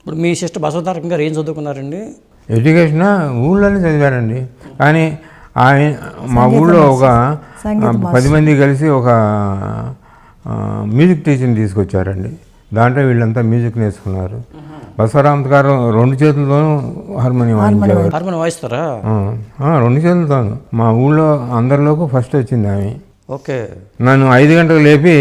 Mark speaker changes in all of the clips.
Speaker 1: ఇప్పుడు మీ సిస్టర్ బసవతారకం గారు ఏం చదువుకున్నారండి?
Speaker 2: ఎడ్యుకేషన్ ఊళ్ళోనే చదివారండి. కానీ ఆయన మా ఊళ్ళో ఒక 10 మంది కలిసి ఒక మ్యూజిక్ టీచర్ని తీసుకొచ్చారండి. దాంట్లో వీళ్ళంతా మ్యూజిక్ నేర్చుకున్నారు. బసవరామత్ గారు 2 చేతులతోనూ హార్మోనియం వాయించేవారు.
Speaker 1: హార్మోనియం వాయిస్తారా?
Speaker 2: 2 చేతులతోనూ. మా ఊళ్ళో అందరిలోకి ఫస్ట్ వచ్చింది ఆమె.
Speaker 1: ఓకే.
Speaker 2: నన్ను 5 గంటలకు లేపి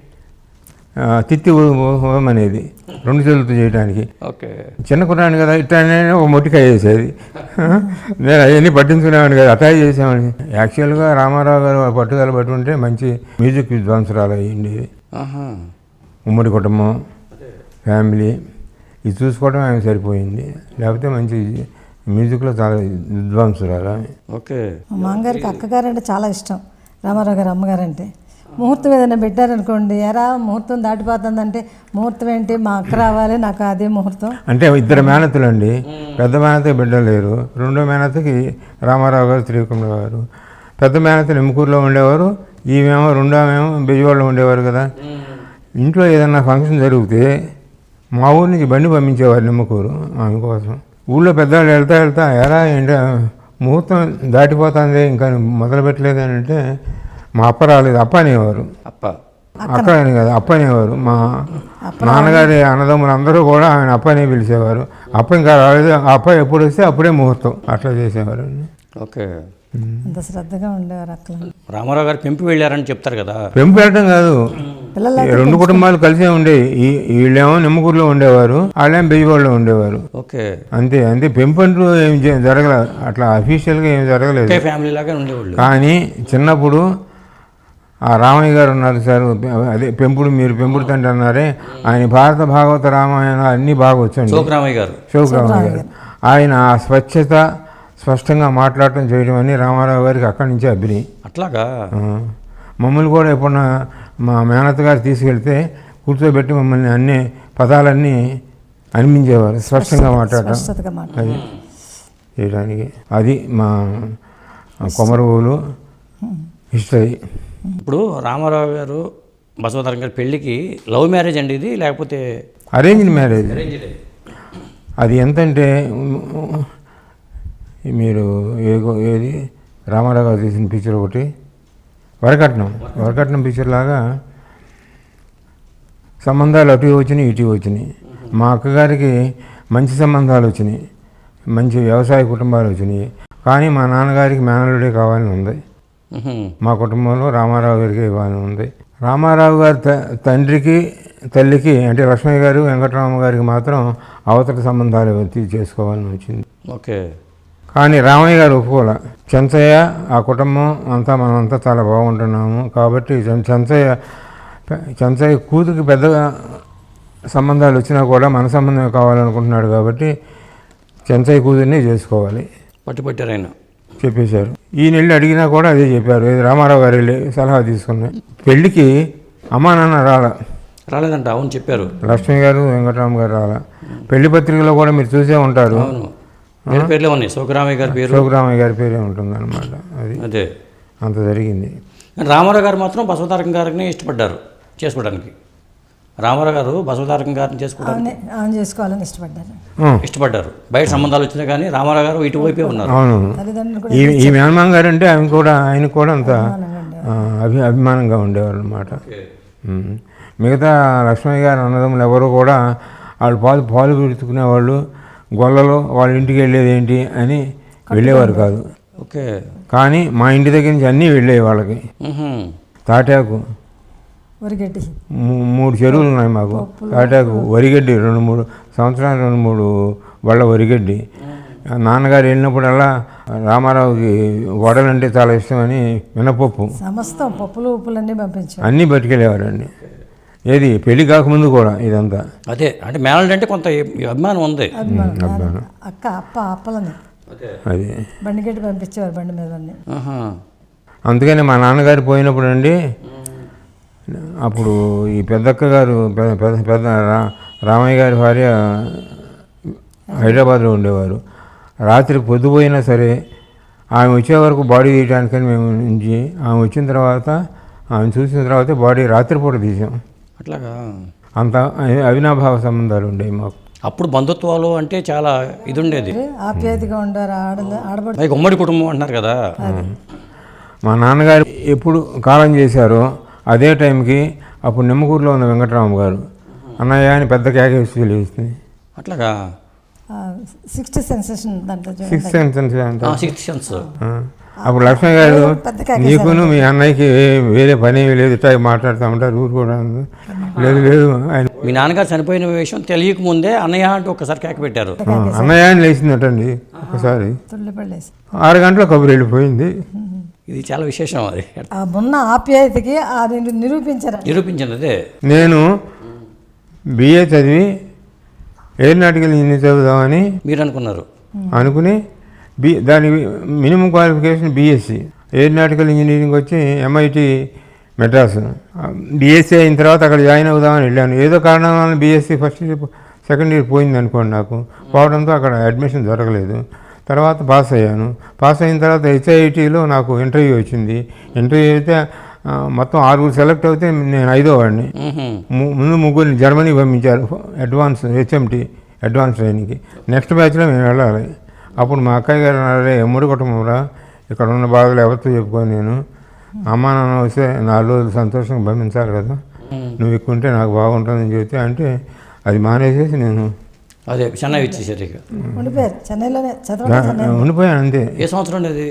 Speaker 2: తిత్తి అనేది 2 చేతులతో చేయడానికి.
Speaker 1: ఓకే.
Speaker 2: చిన్న కుర్రాన్ని కదా, ఇట్లానే ఒక మొట్టికాయ వేసేది. నేను అవన్నీ పట్టించుకునేవాడిని కదా, అటాచ్ చేసేవాడిని. యాక్చువల్గా రామారావు గారు పట్టుదల పట్టుకుంటే మంచి మ్యూజిక్ విద్వాంసురాలు అయ్యింది. ఉమ్మడి కుటుంబం, ఫ్యామిలీ ఇది చూసుకోవడం ఆమె సరిపోయింది. లేకపోతే మంచి మ్యూజిక్లో చాలా విద్వాంసురాలు.
Speaker 1: ఓకే.
Speaker 3: మా అమ్మగారికి అక్కగారు అంటే చాలా ఇష్టం. రామారావు గారు అమ్మగారు అంటే ముహూర్తం ఏదైనా పెట్టారనుకోండి, ఎరా ముహూర్తం దాటిపోతుందంటే ముహూర్తం ఏంటి, మా అక్క రావాలి, నాకు అదే ముహూర్తం.
Speaker 2: అంటే 2 మేనత్తలు అండి. పెద్ద మేనత్తకి బిడ్డలేరు. 2వ మేనత్తకి రామారావు గారు, త్రివిక్రమ గారు. పెద్ద మేనత్త నిమ్మకూరులో ఉండేవారు, ఈమెమో 2వ బెజవాడలో ఉండేవారు కదా. ఇంట్లో ఏదన్నా ఫంక్షన్ జరిగితే మా ఊరి నుంచి బండి పంపించేవారు నిమ్మకూరు ఆమె కోసం. ఊళ్ళో పెద్దవాళ్ళు వెళ్తా ఎరా ఏంటి ముహూర్తం దాటిపోతుంది ఇంకా మొదలు పెట్టలేదు అని అంటే మా అప్ప రాలేదు, అప్ప అనేవారు. అక్క అని కదా, అప్ప అనేవారు. మా నాన్నగారి అన్నదమ్ములు అందరూ కూడా ఆయన అప్ప అనే పిలిచేవారు. అప్ప ఇంకా రాలేదు, అప్ప ఎప్పుడు వస్తే అప్పుడే ముహూర్తం, అట్లా చేసేవారు.
Speaker 1: ఓకే.
Speaker 3: అంత శ్రద్ధగా ఉండేవారు అక్క.
Speaker 1: రామారావు గారు పెంపు వెళ్ళారని చెప్తారు కదా.
Speaker 2: పెంపు వెళ్ళటం కాదు, 2 కుటుంబాలు కలిసే ఉండేవి. వీళ్ళేమో నిమ్మకూరులో ఉండేవారు, వాళ్ళేమో బెజవాడలో ఉండేవారు.
Speaker 1: ఓకే.
Speaker 2: అంతే అంతే. పెంపు అంటూ ఏం జరగలేదు, అట్లా అఫీషియల్గా ఏం జరగలేదు.
Speaker 1: ఫ్యామిలీ లాగా ఉండేవాళ్ళు.
Speaker 2: కానీ చిన్నప్పుడు ఆ రామయ్య గారు ఉన్నారు సార్, అదే పెంపుడు, మీరు పెంపుడు తండ్రి అన్నారే, ఆయన భారత భాగవత రామాయణ అన్నీ బాగా వచ్చండి.
Speaker 1: శోకరామయ్య గారు.
Speaker 2: ఆయన ఆ స్వచ్ఛత, స్పష్టంగా మాట్లాడటం చేయడం అని రామారావు గారికి అక్కడి నుంచే అభినయం.
Speaker 1: అట్లాగా.
Speaker 2: మమ్మల్ని కూడా ఎప్పుడన్నా మా మేనత్త గారు తీసుకెళ్తే కూర్చోబెట్టి మమ్మల్ని అన్ని పదాలన్నీ అనిపించేవారు, స్పష్టంగా మాట్లాడటం అది చేయడానికి. అది మా కొమరవోలు హిస్టరీ.
Speaker 1: ఇప్పుడు రామారావు గారు, బసవతారకం గారి పెళ్ళికి లవ్ మ్యారేజ్ అండి ఇది, లేకపోతే
Speaker 2: అరేంజ్డ్ మ్యారేజ్? అది ఎంతంటే మీరు ఏది రామారావు గారు తీసిన పిక్చర్ ఒకటి వరకట్నం పిక్చర్ లాగా సంబంధాలు అటు వచ్చినాయి, ఇటు వచ్చినాయి. మా అక్కగారికి మంచి సంబంధాలు వచ్చినాయి, మంచి వ్యవసాయ కుటుంబాలు వచ్చినాయి. కానీ మా నాన్నగారికి మేనల్లుడే కావాలని ఉంది. మా కుటుంబంలో రామారావు గారికి ఇవ్వాలని ఉంది. రామారావు గారి తండ్రికి, తల్లికి అంటే లక్ష్మయ్య గారు, వెంకటరామ గారికి మాత్రం అవతల సంబంధాలు చేసుకోవాలని వచ్చింది.
Speaker 1: ఓకే.
Speaker 2: కానీ రామయ్య గారు ఒప్పుకోలే. చెంచయ్య, ఆ కుటుంబం అంతా మనమంతా చాలా బాగుంటున్నాము కాబట్టి చెంచయ్య కూతురికి పెద్దగా సంబంధాలు వచ్చినా కూడా మన సంబంధం కావాలనుకుంటున్నాడు కాబట్టి చెంచయ్య కూతుర్ని చేసుకోవాలి
Speaker 1: పట్టుబట్టారు ఆయన
Speaker 2: చెప్పేశారు. ఈ నెల్లి అడిగినా కూడా అదే చెప్పారు. రామారావు గారు వెళ్ళి సలహా తీసుకున్నాయి. పెళ్ళికి అమ్మా నాన్న
Speaker 1: రాలేదంట. అవును చెప్పారు.
Speaker 2: లక్ష్మి గారు, వెంకటరామ గారు రాలా. పెళ్లి పత్రికలో కూడా మీరు చూసే ఉంటారు,
Speaker 1: పేర్లే ఉన్నాయి. శోకరామయ్య
Speaker 2: గారి పేరే ఉంటుంది అనమాట. అది
Speaker 1: అదే
Speaker 2: అంత జరిగింది.
Speaker 1: రామారావు గారు మాత్రం బసవతారకం గారిని ఇష్టపడ్డారు చేసుకోవడానికి. రామారావు గారు బసవతారకం గారిని
Speaker 3: చేసుకోవాలని
Speaker 2: ఇష్టపడ్డారు.
Speaker 1: బయట సంబంధాలు వచ్చినా కానీ రామారావు గారు ఇటువైపే ఉన్నారు.
Speaker 2: అవును. ఈ మేనమామ గారు అంటే ఆయన కూడా అంత అభిమానంగా ఉండేవారు అనమాట. మిగతా లక్ష్మయ్య గారు అన్నదమ్ములు ఎవరు కూడా వాళ్ళు పాలు పెడుతుకునేవాళ్ళు. గొల్లలో వాళ్ళ ఇంటికి వెళ్ళేది ఏంటి అని వెళ్ళేవారు కాదు.
Speaker 1: ఓకే.
Speaker 2: కానీ మా ఇంటి దగ్గర నుంచి అన్నీ వెళ్ళేవి వాళ్ళకి. తాటాకు 3 చెరువులు ఉన్నాయి మాకు. తాటాకు, వరిగడ్డి 2-3 సంవత్సరాలు 2-3 బళ్ళ వరిగడ్డి. నాన్నగారు వెళ్ళినప్పుడల్లా రామారావుకి వడలంటే చాలా ఇష్టమని మినపప్పు,
Speaker 3: సమస్తం పప్పులు ఉప్పులన్నీ పంపించారు,
Speaker 2: అన్నీ పట్టుకెళ్ళేవారండి. ఏది పెళ్లి కాకముందు కూడా ఇదంతా.
Speaker 1: అదే అంటే మేనల్డ్ అంటే కొంత అభిమానం ఉంది.
Speaker 2: అభిమానం.
Speaker 3: అప్పలని
Speaker 2: అది
Speaker 3: బండిగడ్డి పంపించేవారు, బండి మీద.
Speaker 2: అందుకని మా నాన్నగారు పోయినప్పుడు అండి, అప్పుడు ఈ పెద్దక్క గారు పెద్ద రామయ్య గారి భార్య హైదరాబాద్లో ఉండేవారు. రాత్రి పొద్దుపోయినా సరే ఆమె వచ్చే వరకు బాడీ తీయడానికని మేము నుంచి, ఆమె వచ్చిన తర్వాత ఆమె చూసిన తర్వాత బాడీ రాత్రిపూట తీసాం.
Speaker 1: అట్లాగా
Speaker 2: అంత అవినాభావ సంబంధాలు ఉండేవి మాకు.
Speaker 1: అప్పుడు బంధుత్వాలు అంటే చాలా ఇది ఉండేది.
Speaker 3: ఆప్యాయతగా ఉండారు ఆడబడి
Speaker 1: పైగా ఉమ్మడి కుటుంబం అంటున్నారు కదా.
Speaker 2: మా నాన్నగారు ఎప్పుడు కాలం చేశారో అదే టైంకి అప్పుడు నిమ్మకూరులో ఉన్న వెంకటరామ గారు అన్నయ్య అని పెద్ద కేకేసి తెలియస్తుంది.
Speaker 1: అట్లాగా
Speaker 3: సిక్స్త్ సెన్సేషన్ దాంట్లో చూడండి.
Speaker 2: సిక్స్త్ సెన్స్ అంటే
Speaker 1: సిక్స్త్ సెన్స్.
Speaker 2: అప్పుడు లక్ష్మణ్ గారు
Speaker 3: పెద్ద కేకేశారు.
Speaker 2: నీకును మీ అన్నయ్యకి వేరే పని ఏమీ లేదు, ఇట్లా మాట్లాడుతూ ఉంటారు ఊరు కూడా లేదు లేదు ఆయన
Speaker 1: మీ నాన్నగారు చనిపోయిన విషయం తెలియక ముందే అన్నయ్య అంటూ ఒకసారి కేక పెట్టారు.
Speaker 2: అన్నయ్య అని లేచిందటండి ఒకసారి.
Speaker 3: తుళ్ళిపడేసి
Speaker 2: 6 గంటల కబురు వెళ్ళిపోయింది.
Speaker 1: ఇది చాలా విశేషం. అది
Speaker 3: ఆ ఉన్న ఆప్యాయతకి నిరూపించారు.
Speaker 1: నిరూపించింది అదే.
Speaker 2: నేను బిఏ చదివి ఏరోనాటికల్ ఇంజనీర్ చదువుదామని
Speaker 1: మీరు అనుకున్నారు.
Speaker 2: అనుకుని దాని minimum qualification BSc aeronautical engineering వచ్చి ఎంఐటి మెడ్రాస్. బీఎస్సీ అయిన తర్వాత అక్కడ జాయిన్ అవుదామని వెళ్ళాను. ఏదో కారణం వల్ల BSc first year second year పోయింది అనుకోండి. నాకు పోవడంతో అక్కడ అడ్మిషన్ దొరకలేదు. తర్వాత పాస్ అయ్యాను. పాస్ అయిన తర్వాత హెచ్ఐఐటీలో నాకు ఇంటర్వ్యూ వచ్చింది. ఇంటర్వ్యూ అయితే మొత్తం 6 సెలెక్ట్ అవుతే నేను 5వ వాడిని. ముందు 3 జర్మనీ పంపించారు అడ్వాన్స్ హెచ్ఎంటీ అడ్వాన్స్ ట్రైనింగ్కి. నెక్స్ట్ బ్యాచ్లో మేము వెళ్ళాలి. అప్పుడు మా అక్కయ్య గారు అన్నారే ఎమ్మడి కుటుంబంరా, ఇక్కడ ఉన్న బాధలు ఎవరితో చెప్పుకొని నేను అమ్మ నాన్న వస్తే 4 రోజులు సంతోషంగా పంపించాలి కదా, నువ్వు ఎక్కువ ఉంటే నాకు బాగుంటుందని చెప్తే అంటే అది మానేసేసి నేను
Speaker 1: అదే చెన్నై ఇచ్చేసారు. ఇక
Speaker 3: ఉండిపోయారు చెన్నైలోనే చదవడం.
Speaker 2: ఉండిపోయాను అంతే.
Speaker 1: ఏ సంవత్సరం అది?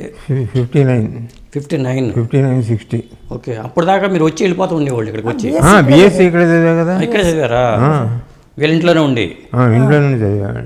Speaker 2: 59 60.
Speaker 1: ఓకే. అప్పుడు దాకా మీరు వచ్చి వెళ్ళిపోతూ ఉండేవాళ్ళు ఇక్కడికి వచ్చి.
Speaker 2: బీఎస్సీ ఇక్కడ చదివా కదా.
Speaker 1: ఇక్కడే చదివారా? వీళ్ళ ఇంట్లోనే ఉండి
Speaker 2: ఇంట్లో నుండి చదివాను.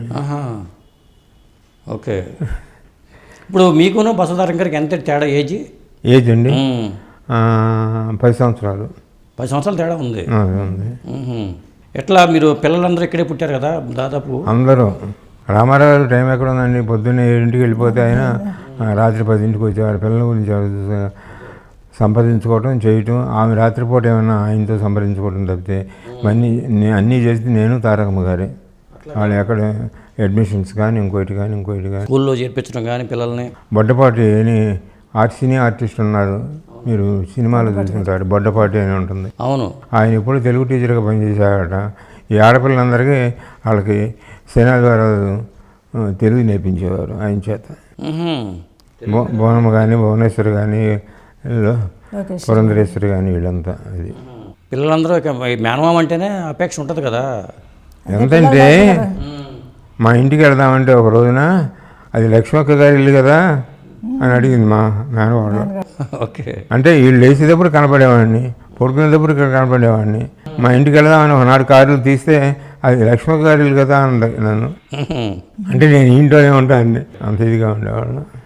Speaker 1: ఓకే. ఇప్పుడు మీకును బసవతారకం గారికి ఎంత తేడా
Speaker 2: ఏజ్ అండి? 10 సంవత్సరాలు.
Speaker 1: 10 సంవత్సరాలు తేడా ఉంది.
Speaker 2: ఉంది.
Speaker 1: ఎట్లా మీరు పిల్లలందరూ ఇక్కడే పుట్టారు కదా దాదాపు?
Speaker 2: అందరూ. రామారావు గారు టైం ఎక్కడ ఉందండి, పొద్దున్నే 7ంటికి వెళ్ళిపోతే ఆయన రాత్రి 10ంటికి వచ్చేవారు. పిల్లల గురించి సంపాదించుకోవటం చేయటం, ఆమె రాత్రిపూట ఏమైనా ఆయనతో సంప్రదించుకోవటం తప్పితే అన్నీ చేసి నేను తారకమ్మ గారే. వాళ్ళు ఎక్కడ అడ్మిషన్స్ కానీ ఇంకోటి కానీ
Speaker 1: స్కూల్లో చేర్పించడం కానీ పిల్లల్ని.
Speaker 2: బొడ్డపాటి అని సినీ ఆర్టిస్ట్ ఉన్నారు, మీరు సినిమాలో చూసుకుంటారు, బొడ్డపాటి అని ఉంటుంది.
Speaker 1: అవును.
Speaker 2: ఆయన ఎప్పుడు తెలుగు టీచర్గా పనిచేశారట. ఈ ఆడపిల్లలందరికీ వాళ్ళకి శనాదివారాలు తెలుగు నేర్పించేవారు ఆయన చేత. భువనమ్మ కానీ భువనేశ్వరి కానీ పురంధరేశ్వరి కానీ వీళ్ళంతా. అది
Speaker 1: పిల్లలందరూ మేనమామ అంటేనే అపేక్ష ఉంటుంది కదా.
Speaker 2: ఎంతంటే మా ఇంటికి వెళ్దామంటే ఒక రోజున అది లక్ష్మక్క గారి ఇల్లు కదా అని అడిగింది మా మేనవాళ్ళు.
Speaker 1: ఓకే.
Speaker 2: అంటే వీళ్ళు లేచేటప్పుడు కనపడేవాడిని, పడుకునేటప్పుడు ఇక్కడ కనపడేవాడిని. మా ఇంటికి వెళ్దామని ఒకనాడు కార్లు తీస్తే అది లక్ష్మక్క గారి ఇల్లు కదా అని నన్ను. అంటే నేను ఇంట్లోనే ఉంటాను, అంత ఇదిగా ఉండేవాళ్ళు.